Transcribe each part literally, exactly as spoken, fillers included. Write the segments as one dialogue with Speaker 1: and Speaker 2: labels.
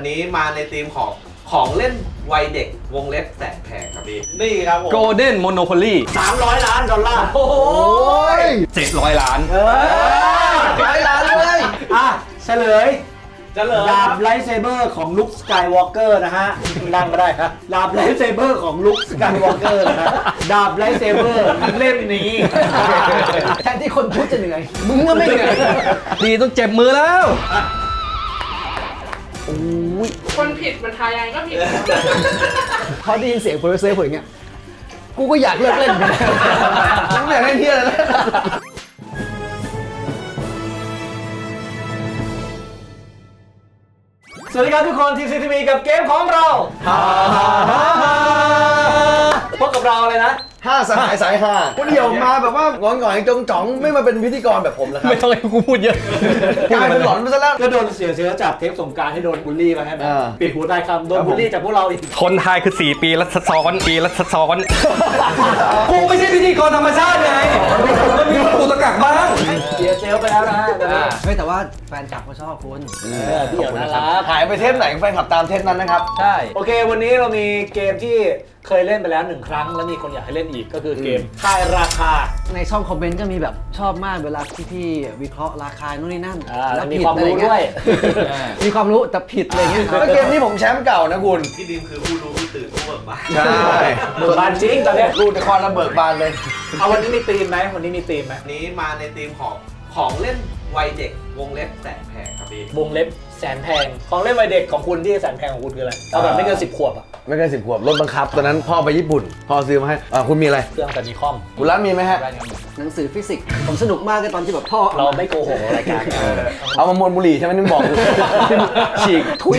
Speaker 1: วันนี้มาในธีมของของเล่นวัยเด็กวงเล็บแสนแพงครับพี่นี่ครับผม
Speaker 2: Golden Monopoly
Speaker 3: สามร้อยล้านดอลลาร์
Speaker 1: โอ้ย
Speaker 2: เจ็ดร้อยล้าน
Speaker 3: เออ
Speaker 1: ร้อยล้านเลย
Speaker 3: อ่ะเฉลย
Speaker 1: จะเลย
Speaker 3: ดาบไลท์เซเบอร์ของลุคสกายวอล์กเกอร์นะฮะนั่งมาได้ครับดาบไลท์เซเบอร์ของลุคสกายวอล์กเกอร์นะฮะดาบไลท์เซเบอร์เล่มนี้
Speaker 4: แทนที่คนพูดจะเหนื่อยมึงก็ไม่เหนื่อย
Speaker 2: ดีต้องเจ็บมือแล้ว
Speaker 5: คนผิดมันทายยังไงก็ผิด
Speaker 4: พอได้ยินเสียงโปรดิวเซอร์ผมอย่างเงี้ยกูก็อยากเลิกเล่นเหมือนกัน
Speaker 1: มึงอยากเล่นเที่ยอะไรนะ
Speaker 3: สวัสดีครับทุกคนทีซีทีวีกับเกมของเราฮ่าฮ่าฮ่าฮ่าพบกับเราเลยนะ
Speaker 6: ห้าสหายสายห้าคนเดียวมาแบบว่างอนหงอยจงจ๋องไม่มาเป็นพิธีกรแบบผมนะครับ
Speaker 2: ไม่ต้องให้กูพูดเยอะ
Speaker 6: กลายเป็นหลอนไปซะแล้ว
Speaker 3: ก็โดนเสียเชื้อจากเทปสงกรานต์ที่โดนบูลลี่มาใช่ไหม
Speaker 6: อ่า
Speaker 3: ปิดหูได้คำโดนบูลลี่จากพวกเราอีก
Speaker 2: คนไทยคือสี่ปีรัศซ้อนปีรัศซ้อนกูไม่ใช่พิธีกรธรรมชาติไงมันมีกูตะกักบ้าง
Speaker 3: เสียเซลลไปแล้วนะฮะ
Speaker 4: เฮ้ยแต่ว่าแฟนคลับเขาชอบคุณ
Speaker 3: เออพี่เดี่ยวน่ารัก
Speaker 6: หายไปเทปไหนแฟนขับตามเทปนั้นนะครับ
Speaker 4: ใช่
Speaker 3: โอเควันนี้เรามีเกมที่เคยเล่นไปแล้วหนึ่งครั้งแล้วมีคนอยากให้เล่นอีกก็คือเกมทายราคา
Speaker 4: ในช่องคอมเมนต์ก็มีแบบชอบมากเวลาที่พี่วิเคราะห์ราคานู่นนี่นั่น
Speaker 3: อ่า
Speaker 4: แล้ว
Speaker 3: มี
Speaker 4: ผิ
Speaker 3: ความรู้
Speaker 4: อะไรเงี้
Speaker 3: ด้วย
Speaker 4: มีความรู้แต่ผิดอะไรเงี้ย
Speaker 6: ก็เกมนี้ผมแชมป์เก่านะคุณ
Speaker 1: พี่ดิมคือผู้รู้ผู้ตื่นผู้เบิกบาน
Speaker 6: ใช่
Speaker 3: เบิกบานจริงตอนเนี้ย
Speaker 6: รูดนครระเบิดบานเลย
Speaker 3: เอาวันนี้มีธีมไหมวันนี้มีธีมไหม
Speaker 1: วันนี้มาในธีมของของเล่นวัยเด็กวงเล็บแสนแพงครับพี่
Speaker 3: วงเล็บแสนแพงของเล่นวัยเด็กของคุณที่แสนแพงของคุณคืออะไรเอาแบบไม่เกินสิบขวบอะ
Speaker 6: ไม่เกินสิบขวบรถบังคับตอนนั้นพ่อไปญี่ปุ่นพ่อซื้อมาให้อ่าคุณมีอะไร
Speaker 3: เครื่องแต่มีคอม
Speaker 6: คุณรัฐมีไหมฮะ
Speaker 4: หนังสือฟิสิกส์ผมสนุกมากเลยตอนที่แบบพ่อ
Speaker 3: เราไม่โกหกรายการ
Speaker 6: เอามามวนบุหรี่ใช่ไหมนึกบอกฉีกทุย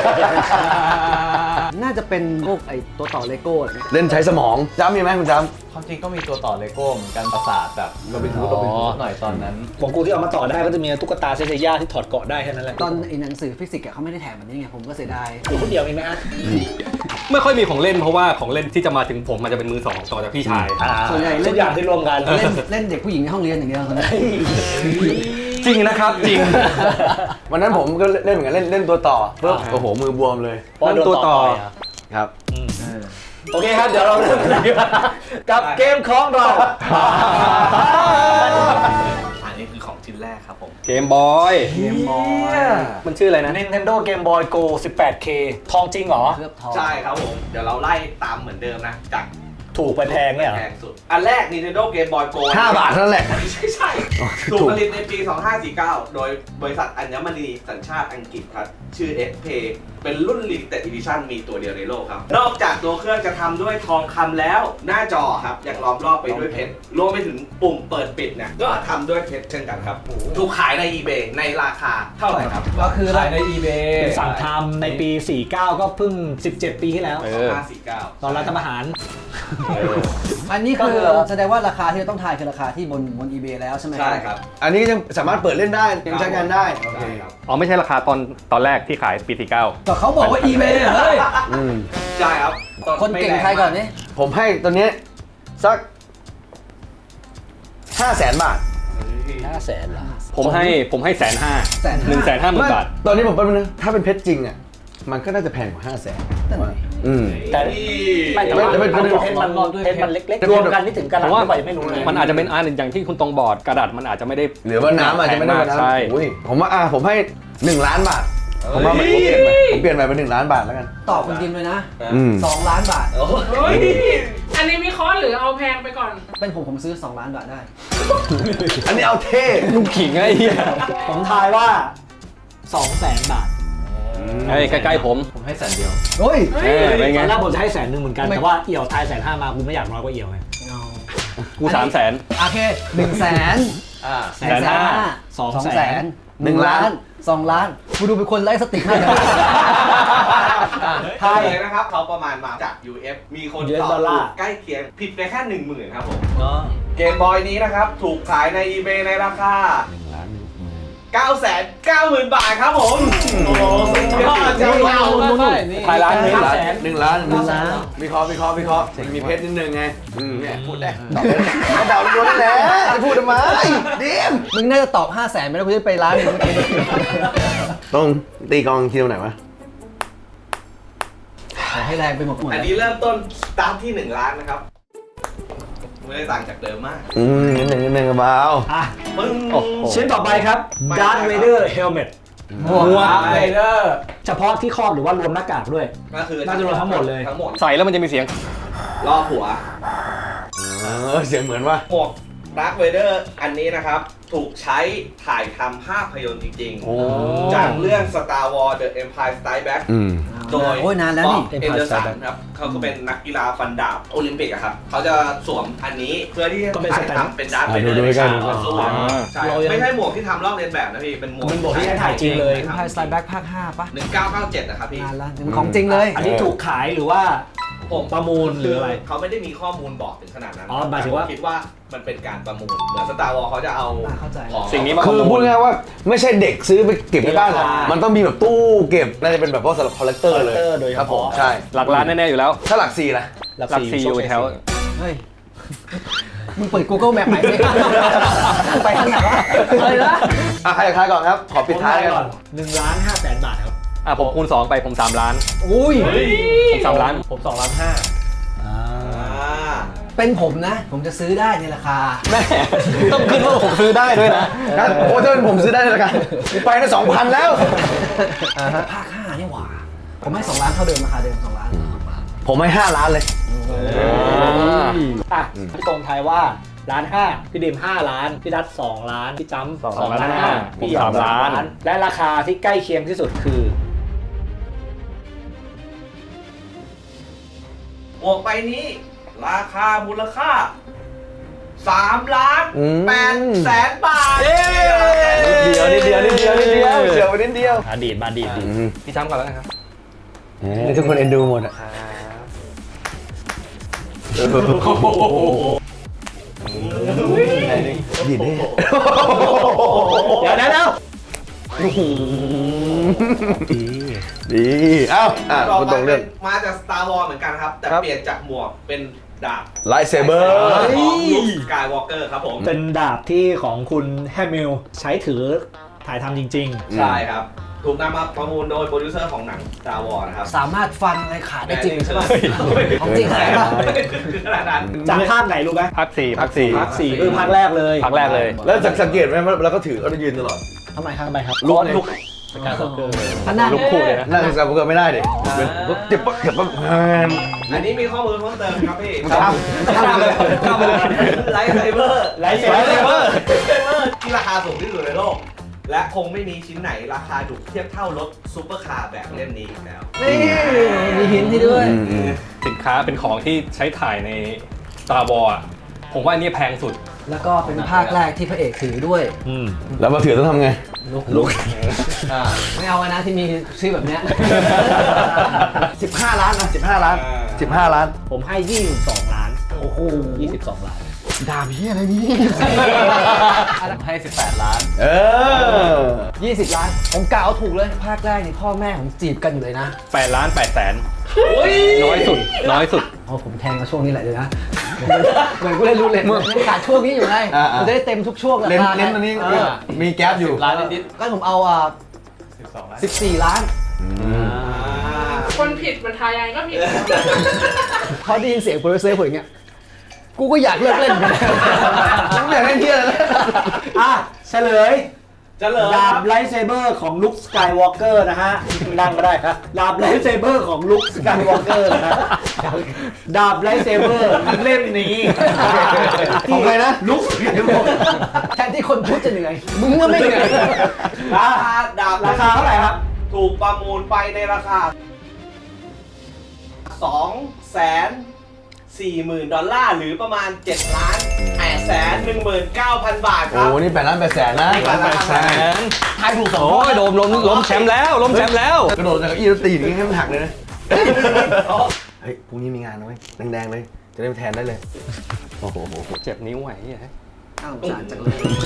Speaker 4: น่าจะเป็นพวกไอ้ตัวต่อเลโก้อะไรเงี้ย
Speaker 6: เล่นใช้สมองจ้ำมีไหมคุณจ้
Speaker 7: ความจริงก็มีตัวต่อเลโก้เหมือนกันประสาทแบบโรบินฮูดโรบินฮูดหน่อยตอนนั้น
Speaker 3: ของกูที่เอามาต่อได้ก็จะมีตุ๊กตาเซเซย่าที่ถอดเกาะได้แค่นั้นแหละ
Speaker 4: ตอนไอ้หนังสือฟิสิกส์อะเขาไม่ได้แถมแบบนี้ไงผมก็เสียดาย
Speaker 3: อยู่คนเดียวเองนะฮะ
Speaker 2: ไม่ค่อยมีของเล่นเพราะว่าของเล่นที่จะมาถึงผมมันจะเป็นมือสองต่อจากพี่ชาย
Speaker 4: ส่วนใหญ่
Speaker 3: ทุ
Speaker 4: เล่
Speaker 3: ก
Speaker 4: น
Speaker 3: อย่างที่รวมกัน
Speaker 4: เล่นเล่นเด็กผู้หญิงในห้องเรียนอย่างเดียว
Speaker 2: จริงนะครับจริง
Speaker 6: ำวันนั้นผมก็เล่นเหมือนกันเล่นเล่นตัวต่อปุ๊บโอ้โหมือบวมเลย
Speaker 3: เพราะโดน
Speaker 2: ตัวต่อ
Speaker 3: ไปะ
Speaker 6: ครับ
Speaker 3: โอเคครับเดี๋ยวเราเริ่มกันเลยดีกว่ากับเกมของเรา
Speaker 1: อันนี้คือของชิ้นแรกครับผม
Speaker 2: เกมบอยเกมบอยมันชื่ออะไรนะ
Speaker 3: Nintendo Game Boy Go สิบแปดเค ทองจริงเหรอ
Speaker 4: เคลือบทอง
Speaker 1: ใช่ครับผม เดี๋ยวเราไล่ตามเหมือนเดิมนะ จาก
Speaker 3: ถูกไปแพงเนี่ยเหรอ
Speaker 1: แพงสุด อันแรก Nintendo Game Boy Go
Speaker 6: ห้าบาทเท่านั้นแหละ
Speaker 1: ไม่ใช่ใช่ถูกผลิตในปี สองพันห้าร้อยสี่สิบเก้า โดยบริษัทอัญมณีสัญชาติอังกฤษครับ ชื่อ เอส พี เป็นรุ่น Limited Edition มีตัวเดียวในโลกครับ นอกจากตัวเครื่องจะทำด้วยทองคำแล้ว หน้าจอครับยังล้อมรอบไปด้วยเพชร รวมไปถึงปุ่มเปิดปิดเนี่ย ก็ทำด้วยเพชรเช่นกันครับ ถูกขายใน eBay ในราคาเท่าไหร่ครับ
Speaker 4: ก็คือ
Speaker 7: ขายใน eBay
Speaker 3: เป็นสั่งทำในปี สี่สิบเก้า ก็เพิ่ง สิบเจ็ด ปีที่แล้ว
Speaker 2: เอ
Speaker 1: สอง
Speaker 2: อ
Speaker 1: พันห้าร้อยสี่สิบเก้า
Speaker 3: ตอนรัฐประหาร
Speaker 4: อันนี้
Speaker 3: ก็
Speaker 4: คื
Speaker 3: คือ
Speaker 4: อแสดงว่าราคาที่เราต้องทายคือราคาที่บนบน eBay แล้วใช่ไหม
Speaker 1: ใช่ครับ
Speaker 6: อันนี้ยังสามารถเปิดเล่นได้ยังใช้งานได้โอเค
Speaker 1: ใช่ครับ
Speaker 2: อ๋อไม่ใช่ราคาตอนตอนแรกที่ขายปีสี่เก้า
Speaker 4: ก็เขาบอกว่า eBay อะเฮ้ย
Speaker 6: อืม
Speaker 1: ใช่ครับ
Speaker 4: คนเก่งใครก่อนนี่
Speaker 6: ผมให้ตัวนี้สักห้าแสนบาท
Speaker 3: ห้าแสนเหรอ
Speaker 2: ผมให้ผมให้แสนห้า
Speaker 4: แสน
Speaker 2: หนึ่งแสนห้าหมื่นบาท
Speaker 6: ตอนนี้ผมเป็นนะถ้าเป็นเพชรจริงอ่ะมันก็น่าจะแพงกว่าห้าแสนอืม
Speaker 3: แต่ไม่แต่ว่า
Speaker 6: ไม่ไม่ไม่
Speaker 3: เพชรมันเพชรมันเล็กๆรวมกันนี่ถึงกระ
Speaker 2: เพ
Speaker 3: ดาษ
Speaker 2: ราะว่า
Speaker 3: ไม่ไหวไม่รู้เลย
Speaker 2: มันอาจจะเป็นอันอย่างที่คุณตรงบอร์ดกระดาษมันอาจจะไม่ได้
Speaker 6: หรือว่าน้ำอาจจะไม่ได้
Speaker 2: แพง
Speaker 6: วัน
Speaker 2: ก
Speaker 6: นั้น
Speaker 2: ใช่
Speaker 6: อุ้ยผมว่าอ่ะผมให้หนึ่งล้านบาทผมว่าผมเปลี่ยนไปผมเปลี่ยนไปเป็นหนึ่งล้านบาทแล้วกัน
Speaker 4: ตอบคุณดิมเลยนะ
Speaker 6: อืม
Speaker 4: สองล้านบาท
Speaker 5: เฮ้ย อันนี้วิเคราะห์หรือเอาแพงไปก่อน
Speaker 4: เป็นผมผมซื้อสองล้านบาทได้
Speaker 6: อันนี้เอาเท่
Speaker 2: ลูกขิงไอ้เหี้ย
Speaker 3: ผมทายว่า สองแสนบาท
Speaker 2: ไอ้ใกล้ๆผม
Speaker 7: ผมให้แสนเดียว
Speaker 4: เฮ้ย
Speaker 2: เออเป็นไง
Speaker 3: ตอนแรกผมจะให้แสนหนึ่งเหมือนกัน
Speaker 4: ไม่
Speaker 3: แต่ว่าเอี่ยวทายแสนห้ามากูไม่อยากน้อยกว่าเอี่ยวไง
Speaker 2: กูสามแสน
Speaker 4: โอเคหนึ่งแสน
Speaker 7: อ่า
Speaker 4: แสนห้า
Speaker 3: สอง
Speaker 4: สอง
Speaker 3: แส
Speaker 4: แส
Speaker 3: น
Speaker 4: นหนึ่งล้านสองล้านกูดูเป็นคนไร้สติมากเลย
Speaker 1: ไทยเลยนะครับเขาประมาณมาจาก ยู เอฟ มีคน
Speaker 3: ยู เอส
Speaker 1: ตอบ
Speaker 3: ดอลลาร์
Speaker 1: ถูกใกล้เคียงผิดไปแค่หนึ่งหมื่นครับผม
Speaker 7: เนาะ
Speaker 1: เกมบอยนี้นะครับ ถูกขายใน eBay ในราคา เก้าแสนเก้าหมื่น บาทครับผม โอ้โหสุดยอดจังเลย
Speaker 2: ขายร้านหนึง
Speaker 6: หนึ่งล้านหนึ่งล้านหนึ่งล้านวิเคราะห์วิเคราะห์วิเคราะห์มีเพชรนิดนึงไงอืมเนี่ยพูดได้ตอบเล่นเดาล้วนแหละจะพูดทำไมดิม
Speaker 4: มึงน่าจะตอบห้าแสนไปแล้วกูจะไปร้านหนึงเมื่อกี้
Speaker 6: ต้องตีกองทีมไหนวะ
Speaker 4: ให้แรงไปหมดหมด
Speaker 1: อันนี้เริ่มต้นสตาร์ทที่หนึ่งล้านนะครับไม่ได้ต่างจากเดิมมาก
Speaker 6: อืมนิดหนึ่งนิดหนึ่งเบา
Speaker 3: อ่ะ
Speaker 1: ปึ้ง
Speaker 3: ชิ้นต่อไปครับ Darth Vader Helmet
Speaker 4: หมวก
Speaker 5: ไรเดอร์
Speaker 3: เฉพาะที่ครอบหรือว่ารวมหน้ากากด้วย
Speaker 1: ก็คือ
Speaker 3: น่าจะรวมทั้งหมดเลย
Speaker 1: ทั้งหมด
Speaker 2: ใส่แล้วมันจะมีเสียง
Speaker 1: รอบหัว
Speaker 6: เออเสียงเหมือนว่า
Speaker 1: หมวกดาร์คเวเดอร์อันนี้นะครับ ถูกใช้ถ่ายทำภาพยนตร์จริง
Speaker 6: โอ้
Speaker 1: ๆ จากเรื่อง Star Wars The Empire Strikes Back
Speaker 6: อืม
Speaker 1: โดย
Speaker 4: โอ้ยนานแล้วนี่
Speaker 1: เอ็นเดอร์สันครับเขาก็เป็นนักกีฬาฟันดาบโอลิมปิกอะครับ เขาจะสวมอันนี้เพื่อที่จะ
Speaker 3: ก็เป็น
Speaker 1: ถ่าย
Speaker 3: สแตนด์
Speaker 1: ทำเป็นดาร์คเว
Speaker 6: อ่ะ
Speaker 1: เดอ
Speaker 6: ดู
Speaker 1: ร์
Speaker 6: ดู
Speaker 1: ใน
Speaker 6: ใกล้
Speaker 1: ฉาก
Speaker 6: ๆดู
Speaker 1: ต่อสู้
Speaker 3: อ่า
Speaker 1: ใช่
Speaker 3: เรายัง
Speaker 1: ไม่ใช่หมวกที่ทำลอกเลียนแบบนะพี่ เป็นหมวก
Speaker 3: เป็นหมวกที่ใช้ถ่ายจริงเลย
Speaker 4: Empire Strikes Back ภาคห้าป่ะ
Speaker 1: หนึ่งเก้าเก้าเจ็ดนะครับพี่
Speaker 4: นานละมันของจริงเลย
Speaker 3: อันนี้ถูกขายหรือว่า
Speaker 1: ผม
Speaker 3: ประมูลหรืออะไร
Speaker 1: เขาไม่ได้มีข้อมูลบอกถึงขนาดนั้น
Speaker 3: อ๋อหมายถึงว่า
Speaker 1: แต่ผคิดว่ามันเป็นการประมูล เหมือนสตาร์วอลเขาจะเอา
Speaker 4: อ่าเข้าใจ
Speaker 1: ของ
Speaker 2: สิ่งนี้มา
Speaker 6: คือพูดง่ายๆว่าไม่ใช่เด็กซื้อไปเก็บในบ้านหรอก
Speaker 3: ราคามั
Speaker 6: มันต้องมีแบบตู้เก็บ น่าจะเป็นแบบพวกสำหรับคอลเลกเตอร์เลย
Speaker 3: collector โดยเฉ
Speaker 6: ครับผม
Speaker 3: พาะ
Speaker 6: ใช่
Speaker 2: หลักล้านแน่ๆอยู่แล้ว
Speaker 6: ถ้าหลักสี่นะ
Speaker 2: หลักสี่อยู่แถว
Speaker 4: เฮ้ย มึงเปิด Google Map ใหม่สิไปทางไหนวะอะไรนะ
Speaker 6: อ่ะใครจะทายก่อนครับ ขอปิดท้ายกัน
Speaker 3: ก่อนหนึ่งล้านห้าแสนบาทครับ
Speaker 2: อ่ะผมคูณสองไปผมสามล้าน
Speaker 4: อุ้ย
Speaker 2: ผมสามล้าน
Speaker 3: ผมสองล้านห้า
Speaker 1: อ่า
Speaker 4: เป็นผมนะ ผมจะซื้อได้ในราคา
Speaker 2: แม่ ต้องขึ้นว่าผมซื้อได้ด้วยนะ
Speaker 6: งั้นโอ้ถ้าเป็นผมซื้อได้เลยละกันกูไปได้สองพันแล้ว
Speaker 4: ภาคห้านี่หว่า ผมให้สองล้านเท่าเดิมราคาเดิมสองล้าน
Speaker 6: ผมให้ห้าล้านเลย
Speaker 3: อ่ะพี่ตรงทายว่าล้านห้าพี่ดิมห้าล้าน พี่ดัตสองล้าน พี่จ้ำ
Speaker 2: สองล้านห้า
Speaker 3: พี่หยอง
Speaker 2: ผมสามล้าน
Speaker 3: และราคาที่ใกล้เคียงที่สุดคือ
Speaker 1: หมวกใบนี้ ราคามูลค่าสามล้าน
Speaker 6: อืม
Speaker 1: แปดแสนบาท
Speaker 6: นิดเดียวนิดเดียวนิดเดียวนิดเดียวเฉียวไปนิดเดียว
Speaker 3: อดีตมาดีตดี
Speaker 2: พี่จ้ำก่อนแล้วนะครับ
Speaker 6: นี่ทุกคนเอ็นดูหมดอ่ะ หยิบดิ
Speaker 3: เดี๋ยวนะเดี๋ยว
Speaker 6: ดีเอ้าอ่ะ
Speaker 1: ต่อ
Speaker 6: คุณ
Speaker 1: ไป
Speaker 6: ตรงเรื่อง
Speaker 1: เป็นมาจาก Star Wars เหมือนกันครับ แต่
Speaker 6: ครับ
Speaker 1: เปลี่ยนจากหมวกเป็นดาบ
Speaker 6: ไลท์เซเบอร์
Speaker 1: ของลุคสกายวอล์กเกอร์ครับผม
Speaker 3: เป็นดาบที่ของคุณแฮมิลใช้ถือถ่ายทำจริง
Speaker 1: ใช่ครับ ถูกนำมาประมูลโดยโปรดิวเซอร์ของหนัง Star Wars นะครับ
Speaker 4: สามารถฟันอะไรขาดได้จริงใช่ป่ะ
Speaker 1: เฮ้ย
Speaker 4: ของจริงขนาดนั้นปะ
Speaker 1: คือขนาดนั้น
Speaker 3: ๆ จากภาคไหนรู้ไหม
Speaker 2: ภาคสี่ภาคสี่
Speaker 3: ภาคสี่คือภาคแรกเลย
Speaker 2: ภาคแรกเลย
Speaker 6: แล้วสังเกตไหมว่าเราก็ถือเราจะยืนตลอด
Speaker 4: ทำไมครับ
Speaker 3: ทำไมครับ
Speaker 6: ลุกลุก
Speaker 3: สกายวอล์กเกอร์
Speaker 4: ขนาด
Speaker 2: ลูกคู่เลยนะ
Speaker 6: นั่งสับก็ไม่ได้ดิเจ็บปะเจ็บปะ
Speaker 1: อันนี้มีข้อมูลเพิ่มเติมครับพี่
Speaker 6: ข้ามข้ามไปเลยข้ามไปเลย
Speaker 1: ไลท์ไซเบอร์
Speaker 3: ไลท์เซเบอร์
Speaker 1: ไลท์เซเบอร์ที่ราคาสูงที่สุดในโลก และคงไม่มีชิ้นไหนราคาถูกเทียบเท่ารถซูเปอร์คาร์แบบเล่มนี้อีกแล้ว
Speaker 4: นี่มีหินที่ด้วย
Speaker 2: สินค้าเป็นของที่ใช้ถ่ายใน Star Wars อะผมว่าอันนี้แพงสุด
Speaker 4: แล้วก็เป็นภาคแรกที่พระเอกถือด้วย
Speaker 3: อืม
Speaker 6: แล้วมาถือต้องทำไง
Speaker 4: ลุก
Speaker 6: ลุก
Speaker 4: ไม่เอาอะนะที่มีชื่อแบบเนี้ย
Speaker 6: สิบห้าล้านนะสิบห้าล้านสิบห้าล้าน
Speaker 3: ผมให้ยี่สิบสองล้าน โอ้โหยี่สิบสองล้าน
Speaker 6: ดาบเฮียอะไรนี่
Speaker 7: ผมให้สิบแปดล้าน
Speaker 6: เออ
Speaker 4: ยี่สิบล้าน ผมกล่าวถูกเลย ภาคแรกนี่พ่อแม่ผมจีบกันอยู่เลยนะ
Speaker 2: แปดล้านแปดแสนน้อยสุด น้อยสุด
Speaker 4: อ๋อผมแทงมาช่วงนี้แหละเลยนะ เหมือนกูเล่นรู้เลยมันขาดช่วงนี้อยู่ไง
Speaker 6: อ่าๆ
Speaker 4: มันจะได้เต็มทุกช่วงรา
Speaker 6: เล่น
Speaker 4: คา
Speaker 6: เล่นตอนนี้
Speaker 4: เออ
Speaker 6: มีแก๊ปอยู่
Speaker 7: ล้านนิด
Speaker 4: ก็ผมเอาอ่ะ
Speaker 7: ๆสิบสองล้าน
Speaker 4: สิบสี่ล้าน
Speaker 5: คนผิดมันทายยังไงก็ผิด
Speaker 4: พอได้ยินเสียงโปรดิวเซอร์ผมอย่างเงี้ย กูก็อยากเลิกเล่นเหมือนกัน
Speaker 6: ผมอยากเล่นเฮียเลย
Speaker 3: อ่ะเฉลย
Speaker 1: เจะเลย
Speaker 3: ดาบไลท์เซเบอร์ของลุคสกายวอล์กเกอร์นะฮะ นั่งก็ได้ครับ ดาบไลท์เซเบอร์ของลุคสกายวอล์กเกอร์นะฮะ ดาบไลท์เซเบอร์เล่มนี้
Speaker 6: ของใครนะ
Speaker 3: ลุคสกายวอล์กเกอร์
Speaker 4: แทนที่คนพูดจะเหนื่อย มึงก็ไม่เหนื่อย
Speaker 1: ราคาดาบ
Speaker 3: ราคาเท่าไหร่ครับ
Speaker 1: ถูกประมูลไปในราคาสองแสนสี่หมื่นดอลลาร์หรือประมาณเจ็ดล้านแปดแสนหนึ่งหมื่นเก้าพันบาทค
Speaker 6: โอ้
Speaker 1: รับ
Speaker 6: นี่แปดล้านแปดแสนนะ
Speaker 1: แปดล้านแปดแสน
Speaker 6: ทายถูกสอง
Speaker 2: โอ้ยโดมล้มล้มแชมป์แล้วล้มแชมป์แล้ว
Speaker 6: กระโดดจากเก้าอี้แล้วตีอย่างนี้ให้มันหักเลยนะ เฮ้ย พรุ่งนี้มีงานนะเว้ยแดงๆเลย จะได้ไปแทนได้เลย โอ้โห
Speaker 2: เจ็บนิ้วไหวเนี่ย
Speaker 4: อ้าวสารจังเลย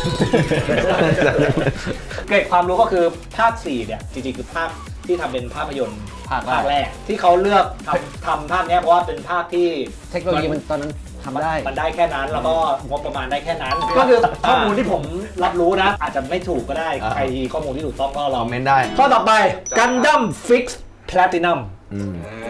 Speaker 3: เกร็ดความรู้ก็คือภาคสี่เนี่ย จริงๆ คือภาคที่ทำเป็นภาพยนตร์
Speaker 7: ภาคแรก
Speaker 3: ภาคแรก ที่เขาเลือกทำทำภาคเนี้ยเพราะว่าเป็นภาคที่
Speaker 4: เทคโนโลยีมันตอนนั้นทำได้
Speaker 3: มันได้แค่นั้น แล้วก็งบประมาณได้แค่นั้น ก็คือข้อมูลที่ผมรับรู้นะ อาจจะไม่ถูกก็ได้
Speaker 6: อ่า
Speaker 3: ใครข้อมูลที่ถูกต้องก็ล
Speaker 6: ค
Speaker 3: อ
Speaker 6: อง มเมนต์ได้
Speaker 3: ข้อต่อไป Gundam Fix Platinum
Speaker 6: อืม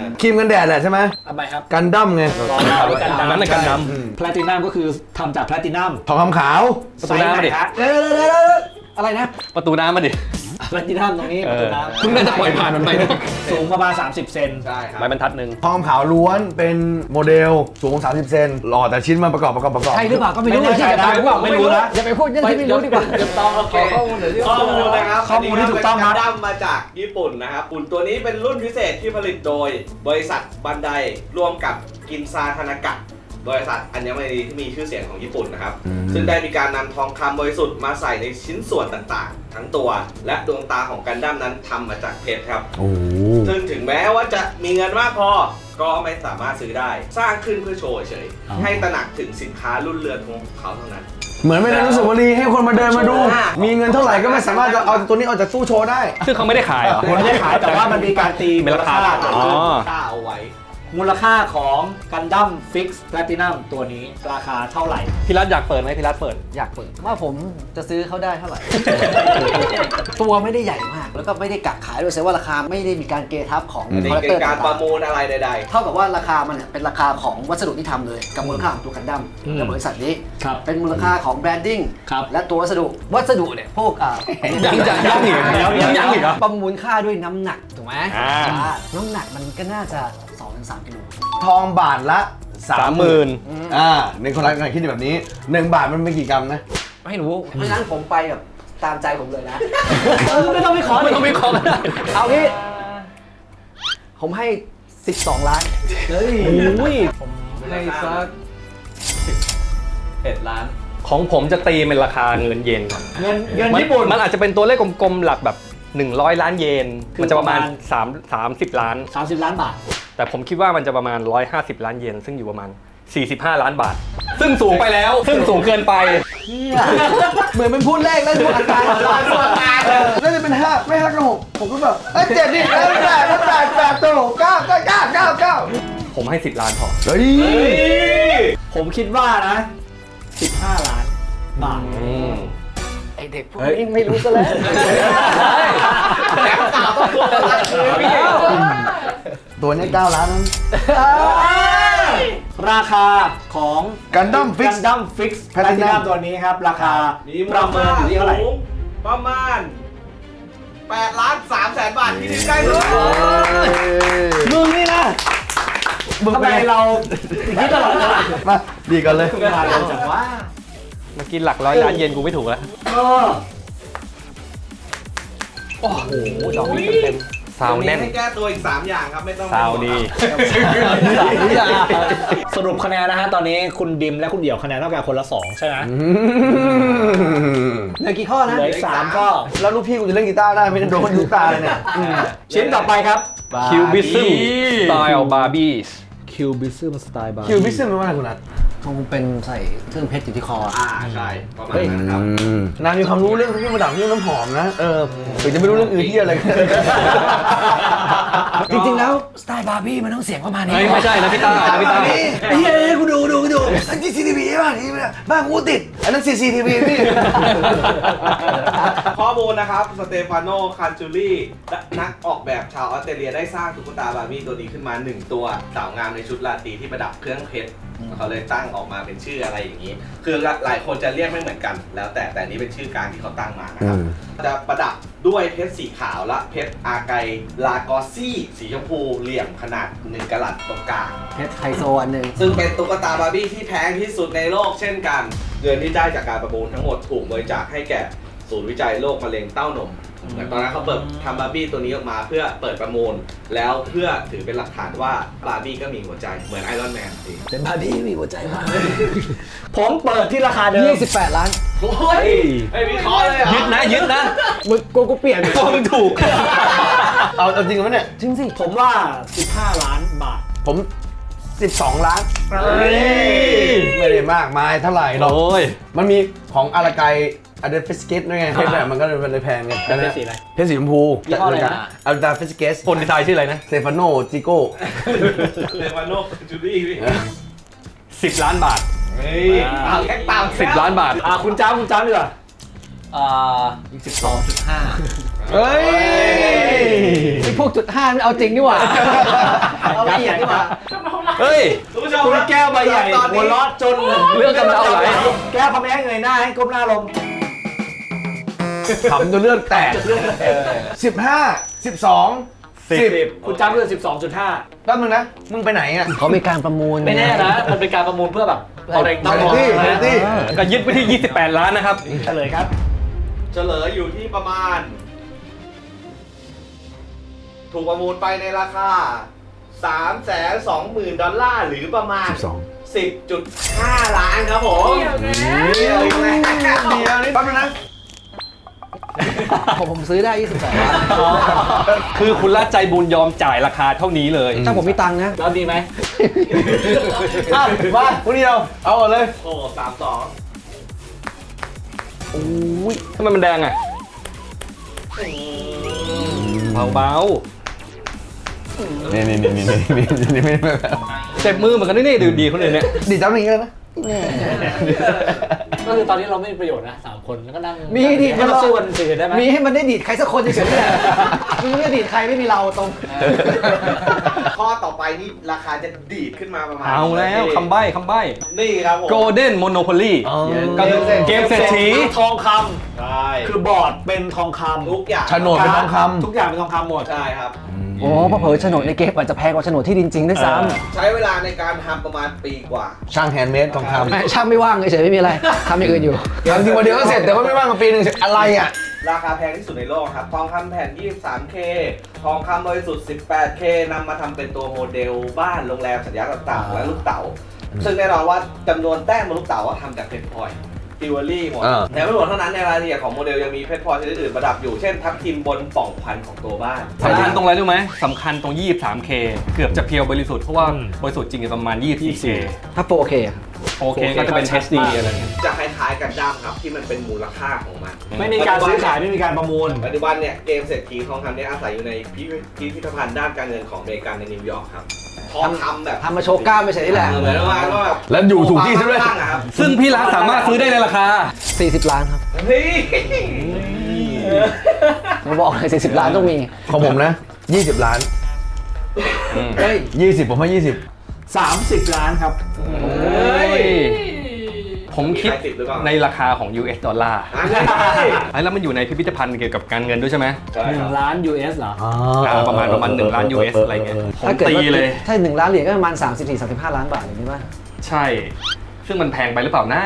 Speaker 6: ครีมกันแดดแหละใช่ไหม
Speaker 3: ทำไมครับ
Speaker 6: กันดั้มไง
Speaker 2: อันนั้นเป็นกันด
Speaker 3: แพลตินัมก็คือทำจากแพลตินัม
Speaker 6: ทองคำขาว
Speaker 2: ำประตูน้ำมาดิ
Speaker 3: เดี๋ยวเดี๋ยวเดี๋ยวอะไรนะ
Speaker 2: ประตูน้ำมาดิ
Speaker 3: แพลตินัมตรงนี้
Speaker 2: เอ
Speaker 3: ประตู
Speaker 2: อ
Speaker 3: น้ำ
Speaker 2: เพิ่งน่าจะปล่อยผ่านมันไปนะ
Speaker 3: สูงประมาณ สามสิบ เซน
Speaker 1: ใช่ครับ
Speaker 2: ใบบรรทัดหนึ่ง
Speaker 6: ทองคำขาวล้วนเป็นโมเดลสูง สามสิบ เซนหล่อแต่ชิ้นมันประกอบประกอบประกอบ
Speaker 4: ใช่หรือเปล่าก็ไม่รู้
Speaker 3: ไม่แน่ใจนะหรือเปล่าไม่รู้นะ
Speaker 4: อย่าไปพูดเรื่องที่ไม่รู้ดีกว่า
Speaker 1: โอเคข้อมูลนะครับ
Speaker 3: ข้อมูลที่ถูกต้องครับ
Speaker 1: นนี้เป็นกันดั้มมาจากญี่ปุ่นนะครับหุ่นตัวนี้เป็นรุ่นพิเศษที่ผลิตโดยบริษัทบันไดร่วมกับกินซาธนากะบริษัทอัญมณีที่มีชื่อเสียงของญี่ปุ่นนะครับ ซึ่งได้มีการนำทองคำบริสุทธิ์มาใส่ในชิ้นส่วนต่างๆ ทั้งตัวและดวงตาของกันดั้มนั้นทำมาจากเพชรครับ
Speaker 6: โอ้
Speaker 1: ซึ่งถึงแม้ว่าจะมีเงินมากพอ ก็ไม่สามารถซื้อได้ สร้างขึ้นเพื่อโชว์เฉยๆให้ตระหนักถึงสินค้ารุ่นเรือนของเขาเท่านั้น
Speaker 6: เหมือนไม่ได้รู้สึกว่ารีให้คนมาเดินมาดู มีเงินเท่าไหร่ก็ไม่สามารถจะเอาตัวนี้ออกจากตู้โชว์ได้
Speaker 2: ซึ่งเขาไม่ได้ขายเหรอ
Speaker 3: ไม่ได้ขายแต่ว่ามันมีการตี
Speaker 2: เป็นราคา
Speaker 3: เกิด
Speaker 2: อ๋
Speaker 3: ขึ้น
Speaker 2: อ
Speaker 1: ค่าเอาไว้
Speaker 3: มูลค่าของกันดั้มฟิกซ์แพลตินัมตัวนี้ราคาเท่าไหร่
Speaker 2: พี่รัฐอยากเปิดไหมพี่รัฐเปิด
Speaker 4: อยากเปิดว่าผมจะซื้อเขาได้เท่าไหร่ ตัวไม่ได้ใหญ่มาก แล้วก็ไม่ได้กักขายด้วยแสดงว่าราคาไม่ได้มีการเกทับของ
Speaker 6: อืม
Speaker 4: คอลเลก
Speaker 1: เป็
Speaker 4: เตอร์
Speaker 1: นการป
Speaker 4: ต่า
Speaker 1: ระ
Speaker 4: ง
Speaker 1: มูลอะไรใด
Speaker 4: ๆเท่ากับว่าราคามันเนี่ยเป็นราคาของวัสดุที่ทำเลยกับมูลค่าของตัวกันดั้มกับบริษัทนี้
Speaker 3: ครับ
Speaker 4: เป็นมูลค่าของแบรนดิ้ง
Speaker 3: ครับ
Speaker 4: และตัววัสดุวัสดุเนี่ยพวกอ่า
Speaker 2: ยังยังยังอีก
Speaker 3: แล้วยัง
Speaker 2: ยังอีกเหรอ
Speaker 4: ประมูลค่าด้วยน้ำหนักถูกไหม
Speaker 2: อ่า
Speaker 4: อ่าน้ำหนักมันก็น่าจะ สองถึงสาม กิโล
Speaker 6: ทองบาทละ
Speaker 2: สามหมื่น
Speaker 6: อ่าในคนรักกันคิดแบบนี้หนึ่งบาทมันเป็นกี่กรัมนะ
Speaker 4: ไม่รู้เพราะฉะนั้นผมไปแบบตามใจผมเลยนะ
Speaker 3: ไม่ต้องไปขอ
Speaker 2: ไม่ต้องวิเคราะห์ก็ได้
Speaker 4: เอางี้ผมให้ สิบสอง ล้าน
Speaker 3: เฮ้ย
Speaker 7: ให้สักเอ็ดล้าน
Speaker 2: ของผมจะตีเป็นราคาเงินเยนก่อน
Speaker 3: เงินเงิน
Speaker 2: มัน
Speaker 3: ญี่ปุ่น
Speaker 2: มันอาจจะเป็นตัวเลขกลมๆหลักแบบหนึ่งร้อยล้านเยน
Speaker 3: คือ
Speaker 2: มันจะประมาณ
Speaker 3: ประมาณ
Speaker 2: สามสามสิบล้าน
Speaker 3: สามสิบล้านบาท
Speaker 2: แต่ผมคิดว่ามันจะประมาณหนึ่งร้อยห้าสิบล้านเยน ซึ่งอยู่ประมาณสี่สิบห้าล้านบาท ซึ่งสูงไปแล้ว ซึ่งสูงเกินไป
Speaker 6: เหมือนเป็นพูดเลขแล้วพูดอัตราน่าจะเป็นห้าไม่ห้าก็หกผมก็แบบเอ้ยเจ็ดดิแล้วแปดแล้วแปดแปดตัวหกเก้าเก้าเก้าเก้าเก้า
Speaker 2: ผมให้สิบล้านพอ
Speaker 6: เฮ้ย
Speaker 3: ผมคิดว่านะสิบห้าล้านบาท
Speaker 4: ไอเด็กพวกนี้ไม่รู้ซะแล้ว
Speaker 1: แล้วข่าวต้องพูดอะไรพี่
Speaker 6: ตัวนี้เก้าล้านนั้น
Speaker 3: ราคาของ
Speaker 6: Gundam Fix
Speaker 3: กันดั้มฟิกซ์แพลติ
Speaker 6: Platinum
Speaker 3: นัมตัวนี้ครับ ราคา
Speaker 1: มีมู
Speaker 3: ป
Speaker 1: ล
Speaker 3: ระเมิ
Speaker 1: ค่าน
Speaker 3: อยู่ที่เท่าไหร่
Speaker 1: สูงประมาณแปดล้านสามแสนบาทที่ดินใกล้สุด
Speaker 3: มึงนี่นะทำไมเราคิดตลอดเวลา
Speaker 6: มาดีกันเลย
Speaker 3: มาเร็วจังว่า
Speaker 2: เมื่อกี้หลักร้อยล้านเยนกูไม่ถูกแล้ว
Speaker 3: เออ
Speaker 2: โอ้โหดอกนี้เต็มๆซาวแน่น
Speaker 1: ให้แก้ตัวอีกสามอย่างครับ ไม่ต้อง
Speaker 2: ซาวดี
Speaker 3: สรุปคะแนนนะฮะ ตอนนี้คุณดิมและคุณเดี่ยวคะแนนเท่ากันคนละสองใช่ไหม
Speaker 4: เหลือกี่ข้อนะ
Speaker 3: เหลืออีกสามก็
Speaker 6: แล้วลูกพี่กูจะเล่นกีตาร์ได้ไม่ได้โดนลูกตาเลยเนี่ย
Speaker 3: ชิ้นต่อไปครับ
Speaker 2: คิวบิซึมสไตล์บาร์บี้
Speaker 3: คิวบิซึมสไตล์บาร์
Speaker 6: คิวพิซซ่าเป็นว่าอะไรคุณนัท
Speaker 4: คงเป็นใส่เครื่องเพชรอยู่ที่คอ
Speaker 1: อ่าใช่ประมาณนั้นครับ
Speaker 6: นางมีความรู้เรื่องเครื่องประดับเรื่องน้ำหอมนะ เออถึงจะไม่รู้เรื่องอื่นที่อะไร
Speaker 4: จริงๆแล้วสไตล์บาร์บี้มันต้องเสียงประมาณนี้
Speaker 2: เฮ้ยไม่ใช่นะพี่ต้านะพี่ต้า
Speaker 6: ไอ้เหี้ยกูดูกูดูกูดูอันนี้ซีทีวีบ้างนี่บ้านกูติด อันนั้นซีซีทีวีพี่
Speaker 1: ข้อมูลนะครับ สเตฟานโน คันจูรี่นักออกแบบชาวออสเตรเลียได้สร้างตุ๊กตาบาร์บี้ตัวนี้ขึ้นมาหนึ่งตัวสาวงามในชุดราตรีที่ประดับเครื่องเพชรเขาเลยตั้งออกมาเป็นชื่ออะไรอย่างนี้ คือหลายคนจะเรียกไม่เหมือนกัน แล้วแต่แต่นี้เป็นชื่อกลางที่เขาตั้งมานะครับ จะประดับด้วยเพชรสีขาวและเพชรอาไกลากอซี่สีชมพูเหลี่ยมขนาดหนึ่งกะรัตตรงกลาง
Speaker 4: เพชรไฮโซอันหนึ่ง
Speaker 1: ซึ่งเป็นตุ๊กตาบาร์บี้ที่แพงที่สุดในโลกเช่นกัน เงินที่ได้จากการประมูลทั้งหมดถูกบริจาคให้แก่ศูนย์วิจัยโรคมะเร็งเต้านมเหมือนตอนนั้นเขาเปิดทำบาร์บี้ตัวนี้ออกมาเพื่อเปิดประมูล แล้วเพื่อถือเป็นหลักฐานว่าบาร์บี้ก็มีหัวใจเหมือนไอรอนแมนจริง
Speaker 4: เป็นบาร์บี้มีหัวใจมาก
Speaker 3: ผมเปิดที่ราคาเดิม
Speaker 4: ยี่สิบแปด ล้าน
Speaker 1: โอ้ยไอ้วิเคราะห์เลยเหรอ
Speaker 2: ยึดนะยึดนะ
Speaker 4: มึงกูกูเปลี่ยน
Speaker 2: มึงถูก
Speaker 6: เอาเอาจริงไหมเนี่ย
Speaker 4: จริงสิ
Speaker 3: ผมว่า สิบห้า ล้านบาท
Speaker 6: ผมสิบสองล้าน ไม่ได้มากมายเท่าไหร่หรอก
Speaker 2: โอ้ย
Speaker 6: มันมีของอาราไกอะเดฟิสเกตด้วยไงเพชรแบบมันก็เลยเป็นเลยแพงไง
Speaker 3: เป็นเพชรสีอะไร
Speaker 6: เพชรสีชมพู
Speaker 3: ยี่ห้ออะไรนะ
Speaker 6: อาราฟิสเกต
Speaker 2: คนดีไซน์ชื่ออะไรนะ
Speaker 6: เซฟานโนจิโก้
Speaker 1: สเตฟานโน คันจูรี่พี่
Speaker 2: สิบล้านบาท
Speaker 1: เฮ้ยเอาแค่ตาม
Speaker 2: สิบล้านบาท
Speaker 3: อ่าคุณจ้าคุณจ้าดีกว่า
Speaker 7: อ่าสิบสองจุดห้า
Speaker 1: อ
Speaker 6: เฮ้ย
Speaker 4: ไอ้พวกจุดห้ามันเอาจริงนี่หว่า เอาละเอียดนี่หว่า
Speaker 2: เฮ้ย
Speaker 1: คุณผู้ชม
Speaker 3: คุณ
Speaker 1: ครับ
Speaker 3: แก้วใบใหญ่
Speaker 1: ตอน
Speaker 3: หัว
Speaker 1: นี้
Speaker 3: เร้อนจน
Speaker 2: เรื่องกำเดาไหล
Speaker 3: แก้วพะแม่เงยหน้าให้ก้มหน้าลง
Speaker 6: ขำจนเลือดแตกสิบห้าสิบสองสิบ
Speaker 3: คุณจำเรื่องสิบสองจุดห้า
Speaker 6: แป๊บนึงนะ มึงไปไหนอ่ะ
Speaker 4: เขามีการประมูล
Speaker 3: ไม่แน่นะ มันเป็นการประมูลเพื่อแบบเอาแรงตั้ง
Speaker 6: เฮ้ยเฮ้ยเฮ้ย
Speaker 2: ก็ยึดไปที่ ยี่สิบแปด ล้านนะครับ
Speaker 3: เฉลยครับ
Speaker 1: เฉลยอยู่ที่ประมาณ ถูกประมูลไปในราคา สามแสนสองหมื่น ดอลลาร์หรือประมาณ สิบจุดห้า ล้านครับผม
Speaker 5: เกี่ยวแล้ว
Speaker 1: เดียวอีกแล้ว
Speaker 6: เดียวนี่แป๊บนึงนะ
Speaker 4: ผมผมซื้อได้ยี่สิบแปดล้าน
Speaker 2: คือคุณละใจบุญยอมจ่ายราคาเท่านี้เลย
Speaker 4: ถ้าผมมีตังค์นะ
Speaker 3: แล้วดีไหม
Speaker 6: อ่ะมาคนเดียว เอาก่อนเลย
Speaker 1: โอ้สามสอง
Speaker 2: ทำไมมันแดงอ่ะ เบา
Speaker 6: นี่นี่นี่นี่นี่นี่ไม่ไม่
Speaker 2: ๆเจ็บมือเหมือนกันนี่ดีดีคนอื่นเนี่ย
Speaker 6: ดีจังอย่างนี้เลยนะ
Speaker 3: ก็คือตอนนี้เราไม่มีประโยชน์นะสามคนแล้วก็นั่ง
Speaker 4: มีดิ
Speaker 3: ให้เราสู้กันสี่ได้ไหม
Speaker 4: มีให้มันได้ดีดใครสักคนเฉยๆนี่แหละมึงไม่ได้ดีดใครไม่มีเราตรง
Speaker 1: ข้อต่อไปนี่ราคาจะดีดขึ้นมาประมาณ
Speaker 2: เอาแล้วคำใบ้คำใบ้
Speaker 1: นี่ครับผม
Speaker 2: Golden Monopoly ก็คือเกมเศรษฐี
Speaker 3: ทองค
Speaker 1: ใช่
Speaker 3: ำคือบอร์ดเป็นทองคำ
Speaker 1: ทุกอย่าง
Speaker 6: โฉนดเป็นทองคำ
Speaker 3: ทุกอย่างเป็นทองคำหมด
Speaker 1: ใช่ครับ
Speaker 4: โอ้เพราะเผลอโฉนดในเกมอาจจะแพงกว่าโฉนดที่ดินจริงด้วยซ้
Speaker 1: ใช้เวลาในการทำประมาณปีกว่า
Speaker 6: ช่างแฮนด์เมดทองค
Speaker 4: ำแม่ช่างไม่ว่างเฉยๆไม่มีอะไรทำอย่างอื่นอยู่
Speaker 6: ำทำจริงวันเดียวก็เสร็จแต่ว่าไม่ว่างมาปีหนึ่งอะไรอ่ะ
Speaker 1: ราคาแพงที่สุดในโลกครับ ทองคำแผ่น ยี่สิบสามเค ทองคำบริสุทธิ์ สิบแปดเค นำมาทำเป็นตัวโมเดลบ้านโรงแรมสัญญาต่างๆ และลูกเต๋า ซึ่งแน่นอนว่าจำนวนแต้มบนลูกเต๋าว่าทำจากเพชรพลอยจิวเวลรี่หมด
Speaker 6: อ่า
Speaker 1: แต่ไม่หมดเท่านั้นในรายละเอียดของโมเดลยังมีเพชรพลอยชนิดอื่นประดับอยู่ เช่นทับทิมบนปล่องพันของตัวบ้าน
Speaker 2: สำคัญตรงอะไรรู้ไหมสำคัญตรง ยี่สิบสามเค เกือบจะเพียวบริสุทธิ์ เพราะว่าบริสุทธิ์จริงๆประมาณ ยี่สิบสี่เค
Speaker 4: ถ้าโฟร์เค
Speaker 2: โอเคก็จะเป็น เอช ดี อะไรเงี้ย
Speaker 1: จะคล้ายๆกันดั้มครับที่มันเป็นมูลค่าของมัน
Speaker 3: ไม่มีการซื้อขายไม่มีการประมูล
Speaker 1: ปัจจุบันเนี่ยเกมเศรษฐีทองคำเนี่ยอาศัยอยู่ในพิพิพิธภัณฑ์ด้านการเงินของอเมริกันในนิวยอร์กครับทองคำแบบ
Speaker 4: ทำมาโชว์กล้ามไม่ใช่นี่แหละ
Speaker 1: เหมือนว่าก็แบบ
Speaker 6: แล้วอยู่ถูกที่ซะด้วย
Speaker 1: ตั้งอะครับ
Speaker 2: ซึ่งพี่รักสามารถซื้อได้ในราคา
Speaker 4: สี่สิบล้านครับ
Speaker 1: เฮ้ย
Speaker 4: ผมบอกเลยสี่สิบล้านต้องมี
Speaker 6: ของผมนะยี่สิบล้าน
Speaker 4: เฮ้ย
Speaker 6: ยี่สิบผมให้ยี่สิบ
Speaker 3: สามสิบ ล้านครับ
Speaker 2: ผมคิด
Speaker 1: มีใครติดหรือเปล่า
Speaker 2: ในราคาของ ยู เอส ดอลลาร์
Speaker 1: อ่ะใช่
Speaker 2: ไอ้แล้วมันอยู่ในพิพิธภัณฑ์เกี่ยวกับการเงินด้วยใช่ไหม
Speaker 1: ใช่
Speaker 3: ห
Speaker 1: ค
Speaker 3: นึ่
Speaker 1: รับ
Speaker 3: งล้าน ยู เอส เหรอ
Speaker 2: อ่าประมาณประมาณหนึ่งล้าน ยู เอส อะไรเงี้ยผม
Speaker 4: ถ้าเกิด
Speaker 2: ตี
Speaker 4: ว่า
Speaker 2: เลย
Speaker 4: ถ้าหนึ่งล้านเหรียญก็ประมาณสามสิบสี่ สามสิบห้าล้านบาทอย่างนี้ป่ะ
Speaker 2: ใช่ ซึ่งมันแพงไปหรือเปล่านะ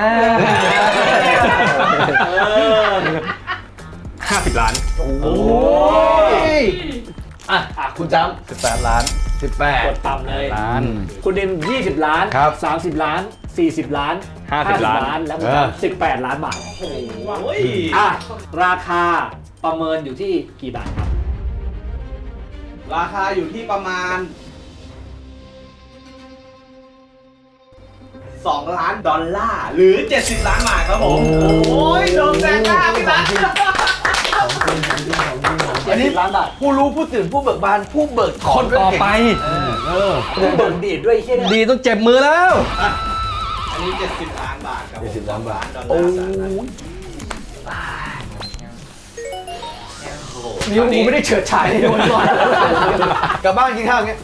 Speaker 2: ห้าสิบล้าน
Speaker 6: โอ้ยอ่ะอ่ะคุณจำสิบแปดล้านสิบแปด
Speaker 3: กดต่ำเลย
Speaker 2: ล้าน
Speaker 3: คุณดิมยี่สิบ ล้าน
Speaker 6: ครับ
Speaker 3: สามสิบ ล้าน สี่สิบ ล้าน
Speaker 2: ห้าสิบล้าน
Speaker 3: แล้วคุณ
Speaker 6: เออ
Speaker 3: จำสิบแปด ล้านบาท
Speaker 1: โอ้โห
Speaker 3: อ่ะ ราคาประเมินอยู่ที่กี่บาทครับ
Speaker 1: ราคาอยู่ที่ประมาณสองล้านดอลลาร์หรือเจ็ดสิบล้านบาทครับผม โอ้ยโดนแซงหน้าพี่รัก
Speaker 3: อันนี้ล้านบาท
Speaker 6: ผู้รู้ผู้ตื่นผู้เบิกบานผู้เบิกถ
Speaker 2: ค
Speaker 6: อน
Speaker 2: นต่อไป
Speaker 3: คุณเบิกดีดด้วยไอ้เหี้ยเนี่ย
Speaker 2: ดีต้องเจ็บมือแล้ว
Speaker 1: อันนี้เจ็ดสิบล้านบาทครับผม
Speaker 6: เจ็ดสิบล้านบาท
Speaker 1: ดอลลาร์สหรัฐ
Speaker 3: นิ้วกูไม่ได้เฉิดฉายเลยวันก่อน
Speaker 6: กลับบ้านกินข้าวอย่างเงี้ย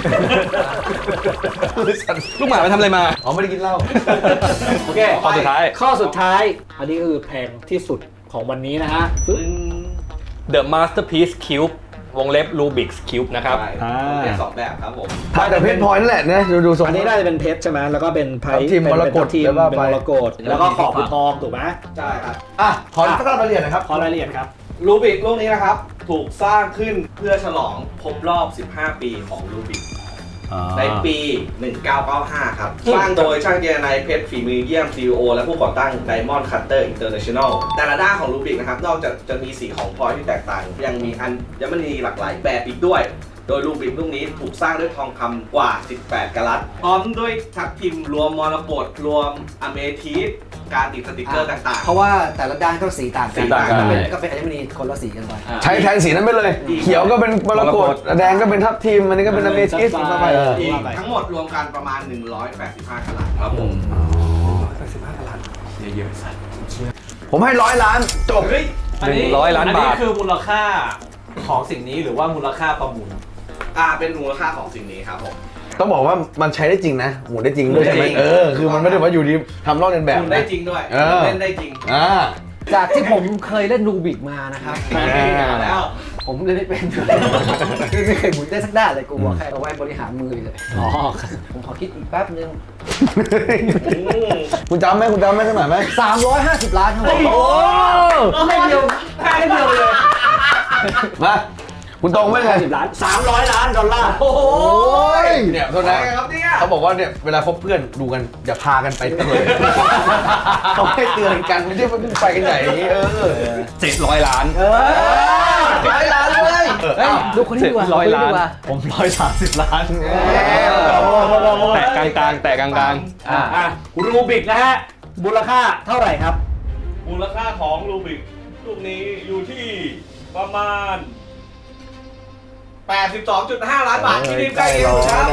Speaker 2: ลูกหมาไปทำอะไรมา
Speaker 6: อ๋อไม่ได้กินเหล้า
Speaker 3: โอเค
Speaker 2: ข้อสุดท้าย
Speaker 3: ข้อสุดท้าย อันนี้ก็คือแพงที่สุดของวันนี้นะฮะ
Speaker 2: The Masterpiece Cube วงเล็บ Rubik's Cube นะครับ
Speaker 1: ใช่ผมเป็นสองแบบครับผม
Speaker 6: มาแต่เพชรพลอยนั่นแหละนะดูดูทรง
Speaker 3: อันนี้น่าจะเป็นเพชรใช่ไหมแล้วก็เป็นไพ่
Speaker 6: ทับทิม
Speaker 3: เป็น
Speaker 6: มรกต
Speaker 3: ทีม
Speaker 6: แล้วก็
Speaker 3: เป็น
Speaker 6: ไป
Speaker 3: มรกตแล้วก็ขอบคือทองถูกไหม
Speaker 1: ใช่ครับ
Speaker 6: อ่ะขอสักรายละเอียดหนะครับ
Speaker 3: ขอรายละเอียดครับ
Speaker 1: รูบิกลูกนี้นะครับ ถูกสร้างขึ้นเพื่อฉลองครบรอบ สิบห้า ปีของรูบิกในปี หนึ่งเก้าเก้าห้า ครับ สร้างโดยช่างเจรนายเพชรฝีมือเยี่ยม ซี อี โอ และผู้ก่อตั้ง Diamond Cutter International แต่ละด้านของรูบิกนะครับ นอกจากจะมีสีของพลอยที่แตกต่าง ยังมีอัญมณีหลากหลายแบบอีกด้วย โดยรูบิกลูกนี้ถูกสร้างด้วยทองคำกว่า สิบแปด กะรัต พร้อมด้วยทับทิมรวมมรกตรวมอเมทิสการติดสติกเกอร์ต่างๆ
Speaker 4: เพราะว่าแต่ละด้านก็สีต่างกั
Speaker 1: สี
Speaker 4: น
Speaker 1: ต่างกัน
Speaker 4: ก็เป็นก็เป็นอัญมณีคนละสีกันไป
Speaker 6: ใช้แทนสีนั้นไปเลย เขียวก็เป็นมรกตแดงก็เป็นทับทิมอันนี้ก็เป็นอเมทิสมาไป
Speaker 1: อีกทั้งหมดรวมกันประมาณ หนึ่งร้อยแปดสิบห้า กะรัตครับผม
Speaker 6: ผมให้ร้อยล้านจบ
Speaker 1: เฮ้ย
Speaker 2: หนึ่งร้อยล้านบาท
Speaker 7: อันนี้คือมูลค่าของสิ่งนี้หรือว่ามูลค่าประมูล
Speaker 1: อ่าเป็นมูลค่าของสิ่งนี้ครับผม
Speaker 6: ต้องบอกว่ามันใช้ได้จริงนะหมุนได้จริงด้วยใช่ไหม
Speaker 1: ได้จริง
Speaker 6: เออคือมันไม่ได้ว่าอยู่ดีทำลอกเลียนแบบ
Speaker 1: คุณได้
Speaker 6: นะ
Speaker 1: จริงด้วย
Speaker 6: เออ
Speaker 1: เล่นได้จริง
Speaker 6: อ่า
Speaker 4: จากที่ผมเคยเล่นรูบิกมานะครับ
Speaker 1: แล้ว
Speaker 4: ผมเล่นไม่เป็นไม่เคยหมุนได้สักด้านเลยกูบอกแค่เอาไว้บริหารมือเลยอ๋อผมขอคิดอีกแป๊บนึง
Speaker 6: คุณจำไหมคุณจำไหมขนาดไหม
Speaker 4: สามร้อยห้าสิบล้านครับผม
Speaker 6: โอ้
Speaker 3: ให้เดียวให้เดียวเลย
Speaker 6: มาคุณตรงไหมไง
Speaker 3: สิบล้านสามร้อยล้านดอลลาร์
Speaker 1: โอ้โห
Speaker 6: เนี่ยโทษนะ
Speaker 1: อะไรครับเนี่ย
Speaker 6: เขาบอกว่าเนี่ยเวลาคบเพื่อนดูกันอย่าพากันไปเลยเขาให้เตือนกันไม่ใช่ว่าไปกันใหญ่อย่างนี้เออ
Speaker 2: เจ็ดร้อยล้าน
Speaker 3: เออ
Speaker 6: ร้อยล้านเลย
Speaker 4: เฮ้ยดูคนนี้ดีกว่า
Speaker 2: ร้อยล้าน
Speaker 4: ดูคดีกว่
Speaker 7: ผมร้อยสามสิบล้าน
Speaker 2: แตะกลางๆแตะกลาง
Speaker 3: อ่ะอ่ะรูบิกนะฮะมูลค่าเท่าไหร่ครับ
Speaker 1: มูลค่าของรูบิกลูกนี้อยู่ที่ประมาณ แปดสิบสองจุดห้า ล้านบาทที่ทีมใกล้เคียงสุดครับ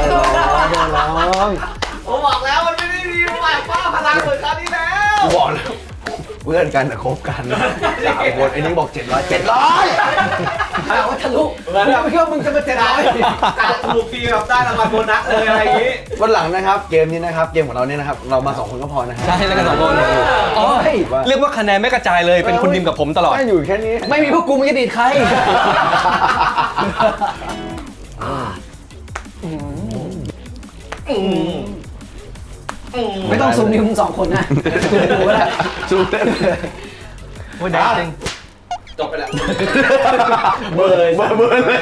Speaker 1: ผมบอกแล้วมันไม่ได้มีฝ่ายฟ้าพลังเหมือนคราวที่แล้ว
Speaker 6: กูบอกแล้วเพื่อนกันนะคบกันสามคนไอ้นี่บอกเจ็ดร้อยเจ็ดร้อย
Speaker 4: ถามว่าทะลุไม่คิดว่ามึงจะมาเจ็ดร้อย
Speaker 1: การถูกฟรีแบบได้รางวัลโบนัสเลยอะไรอย่างนี้
Speaker 6: วันหลังนะครับเกมนี้นะครับเกมของเราเนี่ยนะครับเรามาสองคนก็พอนะฮะ
Speaker 2: ๆใช่แล้วกันสองคนอ๋อเรียกว่าคะแนนไม่กระจายเลยเป็นคุณดิมกับผมตลอด
Speaker 6: ไม่อยู่แค่นี้
Speaker 4: ไม่มีพวกกูมึงจะดีดใคร ไม่ต้องซูมนิ้วมึงสองคนนะซูมกูก็ได้
Speaker 6: ซูมเล่นเลย
Speaker 2: โอ้ยแดงจริง
Speaker 1: จบไปแล้ว
Speaker 6: เบอร์เลยเบอร์เบอร์เลย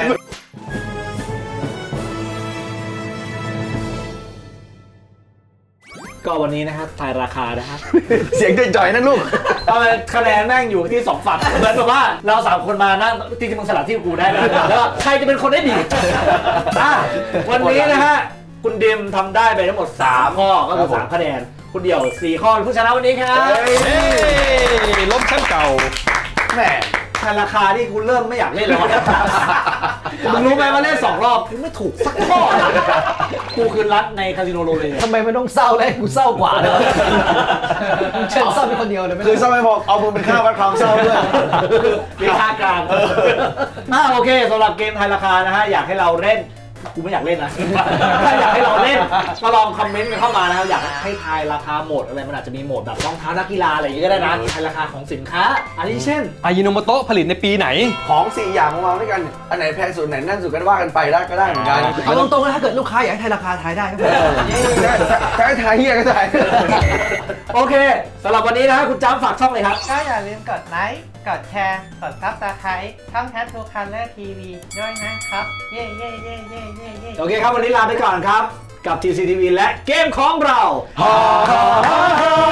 Speaker 3: ก็วันนี้นะครับทายราคานะครับ
Speaker 6: เสียงจ่อยๆนะลูก
Speaker 3: เอาเป็นคะแนนแม่งอยู่ที่สองฝั่งเหมือนแบบว่าเราสามคนมานั่งจริงๆมึงสลับที่กูได้นะแล้วใครจะเป็นคนได้ดีอ่ะวันนี้นะฮะคุณดิมทำได้ไปทั้งหมดสามข้อก็คือสามคะแนนคุณเดี่ยวสี่ข้อเป็นผู้ชนะวันนี้ครับ
Speaker 2: เฮ้ยล้มแชมป์เก่า
Speaker 6: แหม
Speaker 3: ทายราคาที่คุณเริ่มไม่อยากเล่นแล้วนะมึงรู้ไหมว่าเล่นสองรอบมึงไม่ถูกสักข้อเลยกูคือรัดในคาสิโนโรเล
Speaker 4: ทำไมไม่ต้องเศร้าเลยกูเศร้ากว่าเลยวะมึงเชิญเศร้าเป็นคนเดียวเลยไม่
Speaker 6: คือ
Speaker 4: ได้
Speaker 6: เศร้าไม่พอเอามือเป็นค่าวัดความเศร้าด้วย
Speaker 3: มีค่ากลางน่าโอเคสำหรับเกมทายราคานะฮะอยากให้เราเล่นกูไม่อยากเล่นนะ ถ้าอยากให้เราเล่นก็ลองคอมเมนต์กันเข้ามานะครับอยากให้ทายราคาโหมดอะไรมันอาจจะมีโหมดแบบรองเท้านักกีฬาอะไรอย่างงี้ก็ได้นะทายราคาของสินค้าอันนี้เช่น
Speaker 2: อายิโนโมโตะผลิตในปีไหน
Speaker 6: ของสี่อย่างมาวางด้วยกันเนี่ยอันไหนแพงสุดไหนนั่นสุดก็ว่ากันไปได้ก็ได้เหมือนกัน
Speaker 4: เอาตรงๆนะถ้าเกิดลูกค้าอยากให้ทายราคาทายได้ก็ได้
Speaker 6: ใช้ทายเฮียก็ได้
Speaker 3: โอเคสำหรับวันนี้นะฮะคุณจ้ำฝากช่องเลยครับ
Speaker 8: ก็อย่าลืมกดไลค์ กดแชร์ กดซับสไครต์ช่อง Tattoo Color ที วี ด้วยนะครับ เย้เย้เย้เย้เย้เย้
Speaker 3: โอเคครับวันนี้ลาไปก่อนครับกับ ที ซี ที วี และเกมของเรา